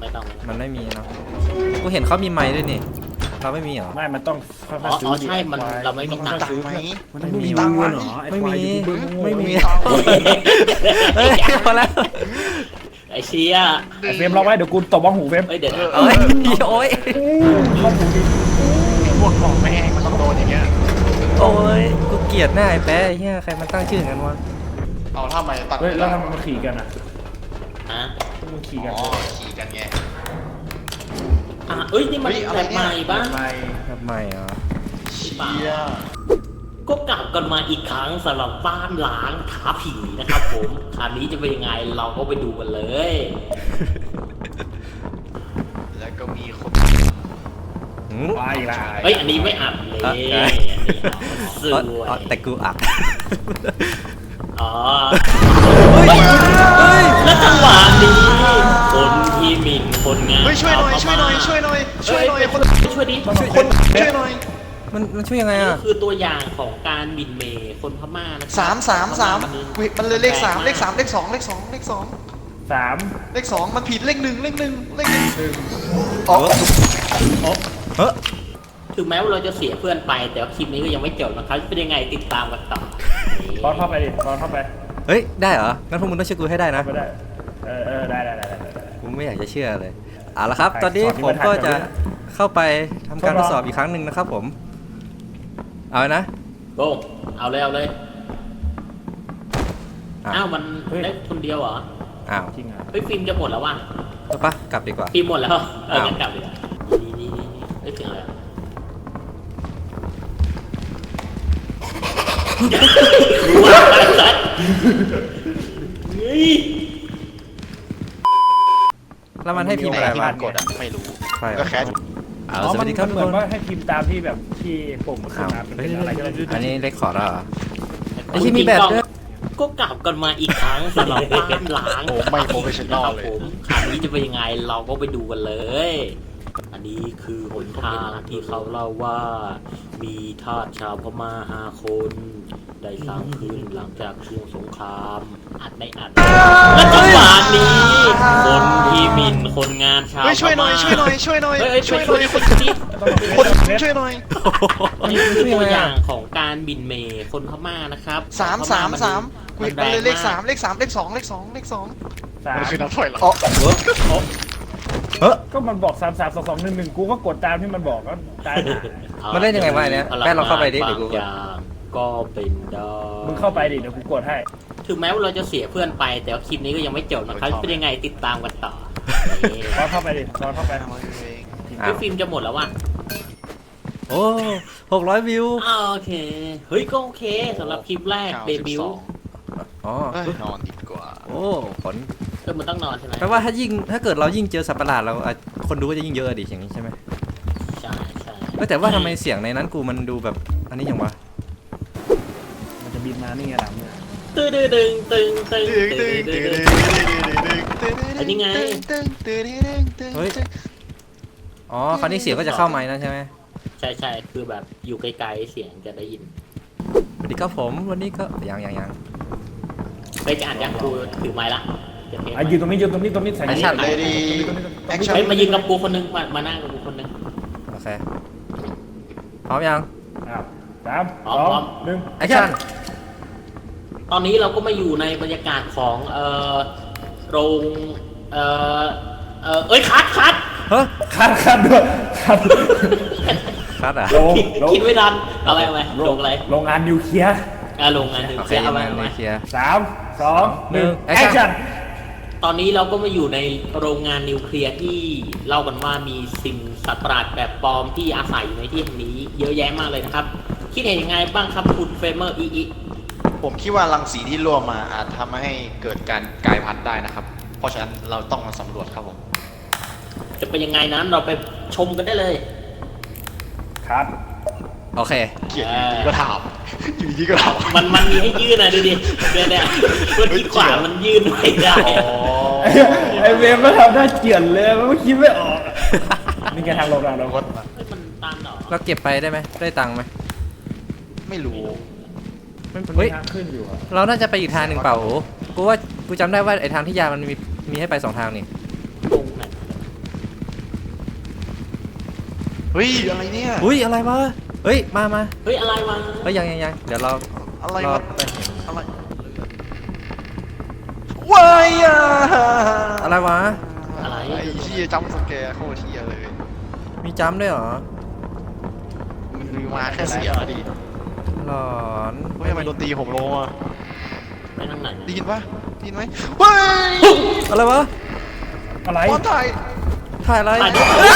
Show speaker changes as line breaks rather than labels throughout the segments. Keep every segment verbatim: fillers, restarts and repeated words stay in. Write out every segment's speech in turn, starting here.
ไม่ต้อง
มันไม่มีเนาะกูเห็นเขามีไม้ด้วยนี่เราไม่มีเหรอ
ไม่มันต้องค่อยๆซื้อ
ใช่มันเราไม่มีตังค์
ไหม
มันไม่มีตังค์เหรอ
ไม่มีไม่มี
เฮ้ย
เฮ้ยพอแล้ว
ไอเชีย
ไอเฟรมเราไว้เดี๋ยวกูตบบ้องหูเฟรม
เฮ้ยเดี๋ยว
เอ้ยโอ้ย
เข้าหูดิ
พวกของแม่งมันต้องโดนอย่างเงี้ย
โอ้ยกูเกลียดหน้าไอ้แป๊ะไอ้เหี้ยใครมันตั้งชื่ออย่างนั้นวะ
เอาทำไมตัด
เฮ้ยแล้วทำไมมันขี่กันอ่ะ
อ่ะ
มันขี่กัน
อ๋อขี่กันไง
อ่ะเอ้ยนี่มันแบบใหม่บ้าง
ไม่
ทำไมอ่ะ
เชี่ย
ก็กลับกันมาอีกครั้งสำหรับบ้านล้างท้าผีนะครับผมคราวนี้จะเป็นยังไงเราก็ไปดูกันเลย
แล้วก็มีคน
หืม
ไปละ
เฮ้ยอันนี้ไม่อัดเลย
อ่ะ
อันนี้สว
อ๋อย แต่กูอัด
อ๋อ
เฮ้ยเฮ้ย
แล้วจังหวะนี้คนที่หมิ่นคนงาน
เฮ้ยช่วยหน่อยช่วยหน่อยช่วยหน่อยช่วยหน่อยคน
ช่วยดิ
คนช่วยหน่อย
มันมันช่วยยังไง
นี่
อ่ะ
คือตัวอย่างของการหมิ่นเมย์คนพม่านะ
สามสามสามมันเลยเลขสามเลขสามเลขสองเลขสองเลขสอง
สาม
เลขสองมันผิดเลขหนึ่งเลขหนึ่งเลขหนึ่ง
หนึ่ง
อ๋อ
เฮ้ย
ถึงแม้ว่าเราจะเสียเพื่อนไปแต่ว่าคลิปนี้ก็ยังไม่จบนะครับเป็นยังไงติดตามกันต่อ
บอลเข้าไปดิบอลเข้าไป
เฮ้ยได้เหรองั้นพวกมึงต้องช่วยกูให้ได้นะ
เข้าไปได้เออเออได้ได้ได้ได้ได้
กูไม่อยากจะเชื่อเลยเอาละครับตอนนี้ผมก็จะเข้าไปทำการทดสอบอีกครั้งหนึ่งนะครับผมเอาเลยนะ
โก้เอาเลยเอาเลย
อ้า
อ้าว วมันได้คนเดียวเหรอ
อ้าว
จริงอ่ะ
เฮ้ยฟิล์มจะหมดแล้วว่ะ
เอาปะกลับดีกว่า
ฟิล์มหมดแล้วเออ
อ้าว
งั้นกลับเลยนี่นี่นี่นี่เฮ้ยถึงแล้วรู้ว่าอะไรสัตว์เฮ้ย
แล้วมันให้พิมพ์อะไร
ที่
วะ
มันกดอ่ะไม่รู้
ใช่
ก็แค่
เอา
อ๋อ
สวัสดีครับ
มัน
ทุก
เหมือน
คน
ว่าให้พิมพ์ตามที่แบบที่ปุ่มมันขึ้
อ้าน ว
มาเป็น
เฮ้ย
อะไรก็ได้
อันนี้เลคคอร์ดเหรอไอ้
จริ
ที่
งๆ
มีแบบด้วย
ก็กลับกันมาอีกครั้งสำหรับบ้านล้าง
โอ้ไม่โปรเฟชชั่นอล
ครับ
เลย
ผมคราวนี้จะเป็นยังไงเราก็ไปดูกันเลย อันนี้คือหนทางที่เขาเล่าว่า มีทาสชาวพม่าห้าคน ได้สร้างขึ้นหลังจากช่วงสงครามอัดไม่อัดและจังหวะนี้ คนที่หมิ่นคนงานชาวพ
เฮ้ย
ม่า
ช่วยหน่อยช่วยหน่อยช่วยหน่อย
เฮ้ยเฮ้ย
ช่
ช่
ว
วย ย
ห
ช่
น่
ว
อย ย
คนนี้
คนช่วยหน่อย
นี่คือตัวอย่างของการหมิ่นเมย์คนพม่านะครับ
สามสามสาม
มั
มัน
นแรง
เลยเลข
มาก
สามเลขสามเลขสองเลขสองเลขสอง
สาม
มันคือนับถอยหลังอ๋อ
เฮ้ย
ก็มันบอกสามสามสองสองหนึ่งหนึ่งกูก็กดตามที่มันบอกก็ได้
มันเล่นยังไงวะอันเนี้ยแม่เราเข้าไปดิเดี๋ยวกู
บางอย่างก็เป็นได้
มึงเข้าไปดิเดี๋ยวกูกดให้
ถึงแม้ว่าเราจะเสียเพื่อนไปแต่ว่าคลิปนี้ก็ยังไม่จบนะครับเป็นยังไงติดตามกันต่อ
บอลเข้าไปดิบอลเข้าไป
อ้า
ไอ้
ว
ฟิล์มจะหมดแล้วว่ะ
โอ้หกร้อยวิว
อ้าวโอเคเฮ้ยก็โอเคสำหรับคลิปแรกเดบิวต์
อ๋อ
เอ้ยนอนดีกว่า
โอ้ผล
เออมันต้องนอนใช่ไหม
แปลว่าถ้ายิ่งถ้าเกิดเรายิ่งเจอสัตว์ประหลาดเราอ่ะคนดูก็จะยิ่งเยอะดิอย่างนี้ใช่ไหม
ใช่ใช่
เอ้ยแต่ว่าทำไมเสียงในนั้นกูมันดูแบบอันนี้อย่างวะ
มันจะบินมานี่ไงหลังเนี่ย
ตึงตึงตึงตึงตึง
ตึง
ตึ
ตึ
ง
ง
ตึ
ตึ
ง
ง
อันนี้ไง
ตึงตึงตึงตึง
เฮ้ยอ๋อคราวนี้เสียงก็จะเข้าไมค์นั่นใช่ไหม
ใช่ใช่คือแบบอยู่ไกลๆเสียงจะได้ยิน
สวัสดีครับผมวันนี้ก็ยังยังยัง
ไปจะอ่านยังกูถือไม้ละจะเทป
อ่ะยืนตรงนี้ยืนตรงนี้ตรงนี้ใส่
แอคชั่น
เลดี้แอคชั่น
เฮ้ยมายืนกับกูคนนึงมามานั่งกับกูคนนึง
โอเคพร้อมยัง
อ้าวสาม
พร้
ส
อม
อ
พร้อม
งหนึ่ง
แอคชั่น
ตอนนี้เราก็มาอยู่ในบรรยากาศของเอ่อโรงเอ่อเอ่อเอ้ยคัดคัด
เฮ้ย
คัดคัดด้วยคัด
คัดอ่ะ
โรงโรง
คิดไม่ทันเอาอะไรเอาอะไรโรงอะไร
โรงงานนิวเคลียร์
อ่าโรงงานหนึ่ง
โอเค
เสียเอา
มา
อะไรเอา
เล
อะไร
ยเคลียร์
สามสองหนึ่ง
แอ
แอ
ค
ค
ชั่
ชั่
น
น
ตอนนี้เราก็มาอยู่ในโรงงานนิวเคลียร์ที่เล่ากันว่ามีสิ่งสัตว์ประหลาดแบบปลอมที่อาศัยอยู่ในที่แห่งนี้เยอะแยะมากเลยนะครับ คิดเห็นยังไงบ้างครับคุณเฟรมเมอร์อีอี
ผมคิดว่ารังสีที่รั่วมาอาจทำให้เกิดการกลายพันธุ์ได้นะครับ เพราะฉะนั้นเราต้องมาสำรวจครับผม
จะเป็นยังไงนั้นเราไปชมกันได้เลย
ครับ
โอเค
เกลียดอยู่ดีก็ถามอยู่ดีก็ถาม
มันมันมีให้ยื่นนะดูดิเนี่ยเนี่ยเมื่อกี้ขวามันยื่นไม่ได้
ไอ้ไอเวฟก็ทำได้เกลียดเลยมันก็คิดไม่ออกนี่แกทางโรงงานเรา
วัด
เฮ้ยมันตันเหรอ
เราเก็บไปได้ไหมได้ตังค์ไหม
ไม่รู้
มัน
เฮ้ย
มีทางขึ้นอยู่อะ
เราน่าจะไปอีกทางหนึ่งเปล่าโอ้กูว่ากูจำได้ว่าไอ้ทางที่ยามันมีมีให้ไปสองทางนี่
ตรงไหน
เฮ้ยอะไรเนี่ย
อุ้ยอะไรวะเฮ้ยมามา
เฮ้ยอะไรวะ
เฮ้ยยังยังยังเดี๋ยวเรา
อะไร
เรา
วะอะไรว้ายอะ
อะไรวะ
อะไร
ไอ้เหี้ยจำสแกร์โคตรเหี้ยเลย
มีจำด้วยเหรอ
มันคือมาแค่เสียงอะดิ
หลอน
เฮ้ยทำไมดนตรีผมโลอ่ะ
ไปทางไหน
ได้ยินปะได้ยินไหมเฮ้ย
อะไรวะ
อะไร
บอลไทย
ถ่ายอะไร
ถ่ายดิ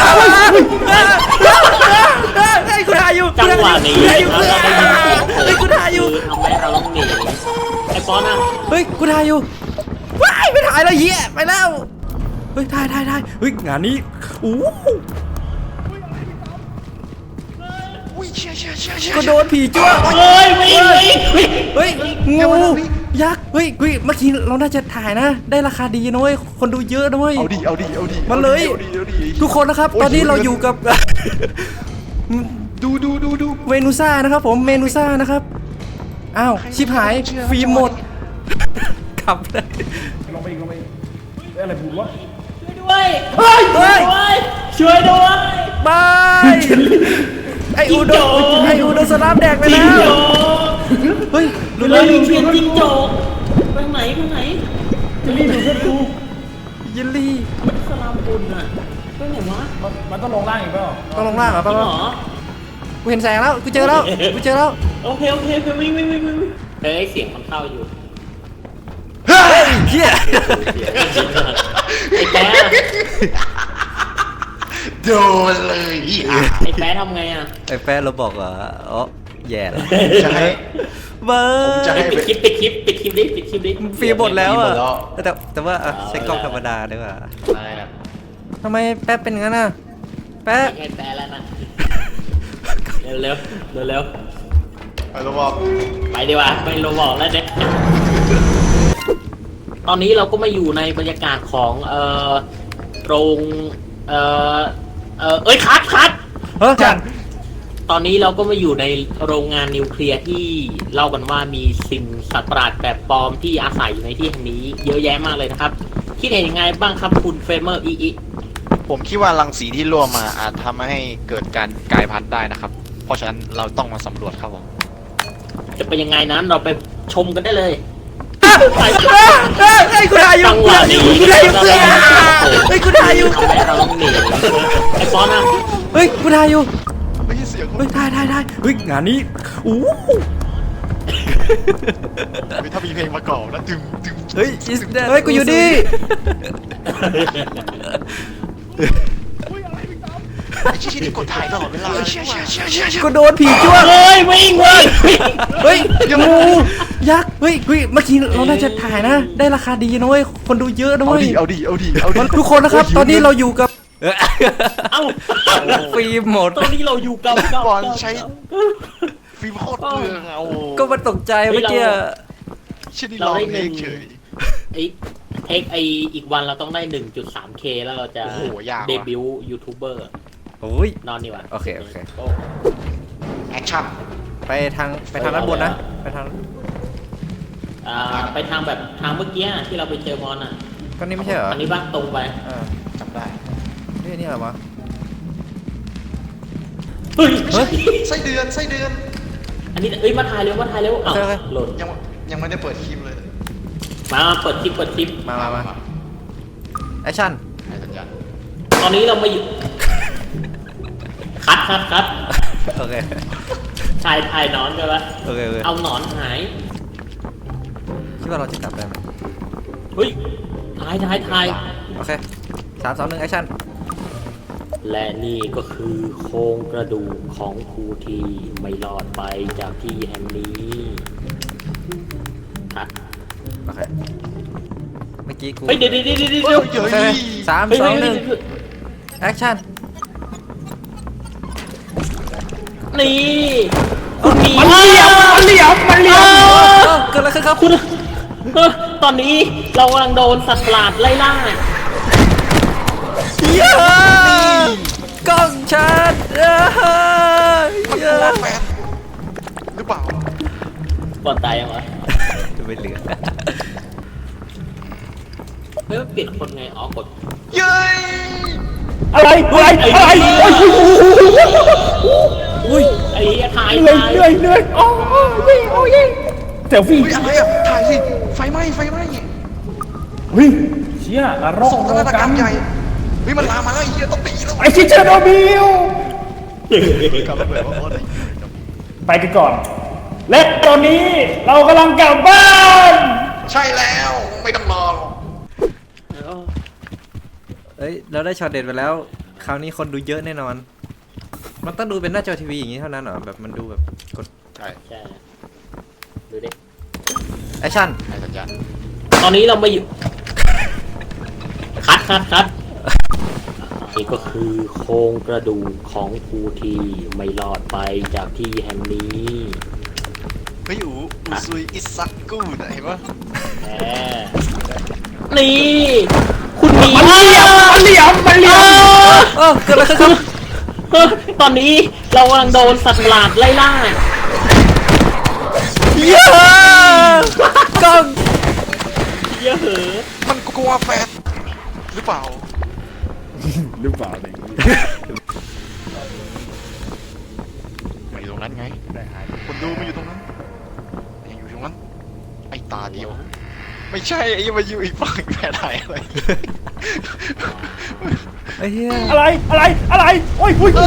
เฮ้ยกูถ่ายอยู่
จังหวะนี้
กูถ่ายอยู่
เราได้ยินเสียง
เฮ้ยกูถ่ายอยู่
คือทำให้เราต้องหนีไอ้ปอนอ่ะ
เฮ้ยกูถ่ายอยู่ว้ายไม่ถ่ายแล้วเหี้ยไปแล้วเฮ้ยถ่ายถ่ายถ่ายเฮ้ยงานนี้อู้
อุ้ยเชี่ยเชี่ยเชี่ยเชี่ย
ก็โดนผีจ้วง
เฮ้ยวิ่งวิ่งวิ่ง
เฮ้ยงูยักษ์เฮ้ยเฮ้ยเมื่อกี้เราน่าจะถ่ายนะ ได้ราคาดีนะเว้ยคนดูเยอะนะเว้ย
เอาดิเอาดิเอาดิ
มาเลย
เอาดิเอาดิเอาดิ
ทุกคนนะครับ ตอนนี้เราอยู่กับ
ดูดูดูดู
เมนูซ่านะครับผมเมนูซ่านะครับอ้าวชิบหายฟิล์มหมดขับเลย
ลงไปอีกลงไปอีกเฮ้ยอะไรบุกวะ
ช่วยด้วย
เฮ้ย
ช่วยด้วย
บายไออูโด
จิ้งจก
ไออูโดสลามแดกไป
จิ
แล้
ง
ว
โจ้
เฮ้ยดู
เรา
เลย
อยู่เชียนจิงโจ้ไปไหนไปไหน
จะรีบดูเพื่อนกู
ยินลี่
สลามบุญอ่ะไปไหนวะ
มันมันต้องลงล่างอีกเปล่า
ต้องลงล่างเหรอ
จ
ป่ะ
ริงเหรอ
กูเห็นแสงแล้วกูเจอแล้วกูเจอแล้ว
โอเคโอเคโอเควิ่งวิ่งวิ่งวิ่งเฮ้ยเสียงมันเข้าอยู่
เฮ้ยเฮีย
ไอ้แป๊ะ
โดนเลยอ่ะ
ไอ้แป๊ะทำไงอ่ะ
ไอแฟนเราบอกว่าอ๋อแย่แล้ว
จะให้
เบอ
ผมจะ
ร์
ให้
ปิดคลิปปิดคลิปปิดคลิปดิปิดคลิปดิ
ฟรีหมดแล้วอ่ะ
ฟรีหมดแล้ว
แต่แต่ว่าอ่ะใช้กล้องธรรมดาดีกว่า
อะไรนะ
ทำไมแป๊บเป็นงั้นน่ะแป๊บ
ไอ้แป๊ะแล้วนะเร็วเร็วเร็วเร็ว
ไปแล้วบอก
ไปดีกว่าไปโรบอกแล้วเนี่ยตอนนี้เราก็มาอยู่ในบรรยากาศของเอ่อโรงเอ่อเอ่อเอ้ยคัดคัด
เฮ้ยจัน
ตอนนี้เราก็มาอยู่ในโรงงานนิวเคลียร์ที่เล่ากันว่ามีสิ่งสัตว์ประหลาดแบบปลอมที่อาศัยอยู่ในที่แห่งนี้เยอะแยะมากเลยนะครับคิดเห็นยังไงบ้างครับคุณเฟรเมอร์อีอี
ผมคิดว่ารังสีที่รั่วมาอาจทำให้เกิดการกลายพันธุ์ได้นะครับ เพราะฉะนั้นเราต้องมาสำรวจครับผม
จะเป็นยังไงนั้นเราไปชมกันได้เลย
เฮ้ยเฮ้ยกูถ่ายอยู่
จังหวะนี้
กูถ่ายอยู่เพื่อนเฮ้ยกูถ่ายอยู่
ทำไมเราต้องหนีไอ้ปอนอ่ะ
เฮ้ยกูถ่ายอยู่
ไม่ใช่เสียง
เฮ้ยถ่ายถ่ายถ่ายเฮ้ยงานนี้อู้
ถ้ามีเพลงประกอบนะดึงดึง
เฮ้ย is that เฮ้ยกูอยู่ดิ
ไอ้ชี้นี่กดถ่ายตลอดเวลาเชี่ยเชี่ยเชี่ยเชี่ยเชี่ย
กูโดนผีจ้วง
เฮ้ยวิ่งวิ่งวิ่ง
เฮ้ยงูยักษ์เฮ้ยเฮ้ยเมื่อกี้เราน่าจะถ่ายนะ ได้ราคาดีนะเว้ยคนดูเยอะนะ
เอา
เว้ย
ดิเอาดิเอาดิเอาดิ
ทุกคนนะครับ ตอนนี้เราอยู่กับ
เอ้า
ฟิล์มหมด
ตอนนี้เราอยู่กับบ
อลใช้ฟิล์มโคตรเปลืองเอา
ก็มาตกใจเมื่อกี้
ชิ้นนี้ลองเองเฉย
ไอ้เทคไออีกวันเราต้องได้ หนึ่งจุดสาม เค แล้วเราจะ
โอ้โหยากว่ะ
เดบิวต์ยูทูบเบอร์
โอ้ย
นอนดีกว่า
โอเคโอเค
แอคชั่น
ไปทางไปทางด้านบนนะ ไปทาง
อ่าไปทางแบบทางเมื่อกี้ที่เราไปเจอมอนอ่ะ
ก็นี่ไม่ใช่เหรอ
อันนี้บ้างตรงไป
อ่า
จำได้
นี่นี่อะไรวะ
เฮ้ย
เฮ้ย
ไส้เดือนไส้เดือน
อันนี้เอ้ยมาถ่ายเร็วมาถ่ายเร็วอ้าว
โอเคโอเค
หล่น
ยังยังไม่ได้เปิดคลิปเลย
มาเปิดคลิปเปิดคลิป
มามามาแอคชั่น
ให้สัญญาณ
ตอนนี้เรามาอยู่ คัดคัดคัด
โอเค
ถ่ายถ่ายหนอนกันปะ
โอเคโอเค
เอาหนอนหาย
คิดว่าเราจะกลับได้ไหม
เฮ้ยถ่ายถ่ายถ่าย
โอเคสามสองหนึ่งแอคชั่น
และนี่ก็คือโครงกระดูกของผู้ที่ไม่รอดไปจากที่แห่งนี้คัด
โอเค เมื่อกี้กู
เฮ้ยเดี๋ยวเดี๋ยวเดี๋ยวเดี๋ยว
เฮ้
เดี๋
ย
ยว
เฮ้ย
โอเคสาม
เฮ้ย
สอง
เฮ้ย
หนึ่ง
เฮ้ย
แอคชั่น
นี่คุณหมี
มันเหลี่ยมมันเหลี่ยมมันเหลี่ยม
เอ้าเกิดอะไรขึ้นครับ
คุณเออตอนนี้เรากำลังโดนสัตว์ประหลาดไล่ล่า
เย้กล้องชัดเอ้ย
มัน
เย้
กลัวแฟนหรือเปล่า
ก่อนตายยังวะ
ไม่เหลือ
เฮ้ยเปลี่ยนคนไงอ๋อกด
เย้ย
อะไรอะไรอะไรโอ้ย
อุ้ย
ไอ้ถ่าย
เหนื่อย
ถ่าย
เหนื่อยเหนื่อยโอ้ยโอ้ยเซลฟี่
เฮ้ยอะไรอ่ะถ่ายสิไฟไหม้ไฟไหม้
เฮ้ยเชี่ยนรก
ส่ง
โล
นาฏกร
กั
ร
น
มใหญ่เฮ้ยมันลามมาแล้วไอ้เหี้ยต้องตีแล้ว
ไอชิเชอร์โนบิล
กลับมาแบบว่าโอ้ย
ไปกันก่อน และตอนนี้เรากำลังกลับบ้าน
ใช่แล้วไม่ต้องรอหรอก
เอ้ยเราได้ช็อตเด็ดไปแล้ว คราวนี้คนดูเยอะแน่นอน มันต้องดูเป็นหน้าจอทีวีอย่างนี้เท่านั้นเหรอแบบมันดูแบบกด
ใช่
ใช่ดูดิ
แอคชั่น
ให้สัญญาณ
ตอนนี้เรามาอยู่ คัดคัดคัดนี่ก็คือโครงกระดูกของผู้ที่ไม่รอดไปจากที่แห่งนี้
เฮ้ยอูอูซุยอิซักกูดเห็นปะ
แหมนี่ คุณหมี
มันเหลี่ยมมันเหลี่ยมมันเหลี่ยม
เออเกิดอะไรขึ้นครับ
เฮ้ยตอนนี้เรากำลังโดนสัตว์ประหลาดไล่ล่า
เยอะกล้อง
เยอะเหอะ
มันกลัวแฟนหรือเปล่า
หรือเปล่าเนี่ย
มาอยู่ตรงนั้นไงคนดูมาอยู่ตรงนั้นยังอยู่ตรงนั้นไอ้ตาเดียว ไม่ใช่ไอ้มาอยู่อีกฝั่งแพ้ถ่ายอะไร
ไอ้เหี้ย
อะไรอะไรอะไรโอ้ยโอ้ย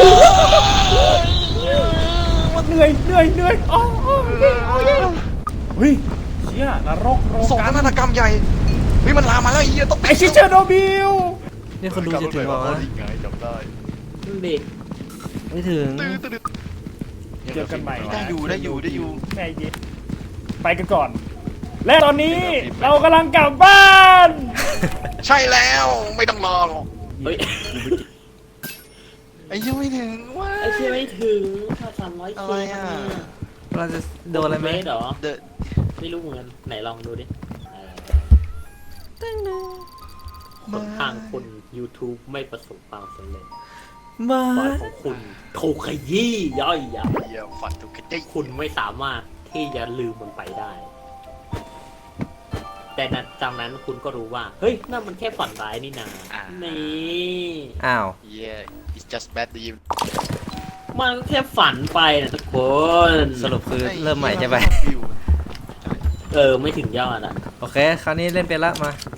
เหนื่อยเหนื่อยเหนื่อยโอ้ยโอ้ยโอ้ยเฮ้ยเชี่ยนรกโล
ส่ง
กัน
นาฏกรรมใหญ่เฮ้ยมันลามมาแล้วไอ้เหี้ยต้อง
ไอชิเชอร์โนบิล
นี่คนดูจะถึงเหรอวะ
ไงจำได้
ดูดิ
ไม่ถึง
ตื้อตื้อ
เจอกันใหม่
ได้อยู่ได้อยู่ได้อยู่
แม่เย็นไปกันก่อน และตอนนี้เรากำลังกลับบ้าน
ใช่แล้วไม่ต้องรอหรอก
เฮ้ย
ไอ้ยังไม่ถึงว้า
ไอ้เชี่ยไม่ถึงถ้าสามร้อย
อะไรอ่ะ
เราจะโดนอะไรไหม
เมตรเหรอ
เดอะ
ไม่รู้เหมือนกันไหนลองดูดิหนทางคุณ YouTube ไม่ประสบความสำเร็จ
มา
บอยของคุณถูกขยี้ย่อยยับ
เหี้ยฝันถูกกระจิ
คุณไม่สามารถที่จะลืมมันไปได้ แต่นั้นจากนั้นคุณก็รู้ว่า เฮ้ยนั่นมันแค่ฝันร้ายนี่นานี่
อ้าว
เหี้ย it's just bad dream
มันก็แค่ฝันไปนะทุกคน
สรุปคือเริ่มใหม่ใช่ไหม
เออ ไม่ถึงยอดอ่ะ
โอเค คราวนี้เล่นเป็นละมา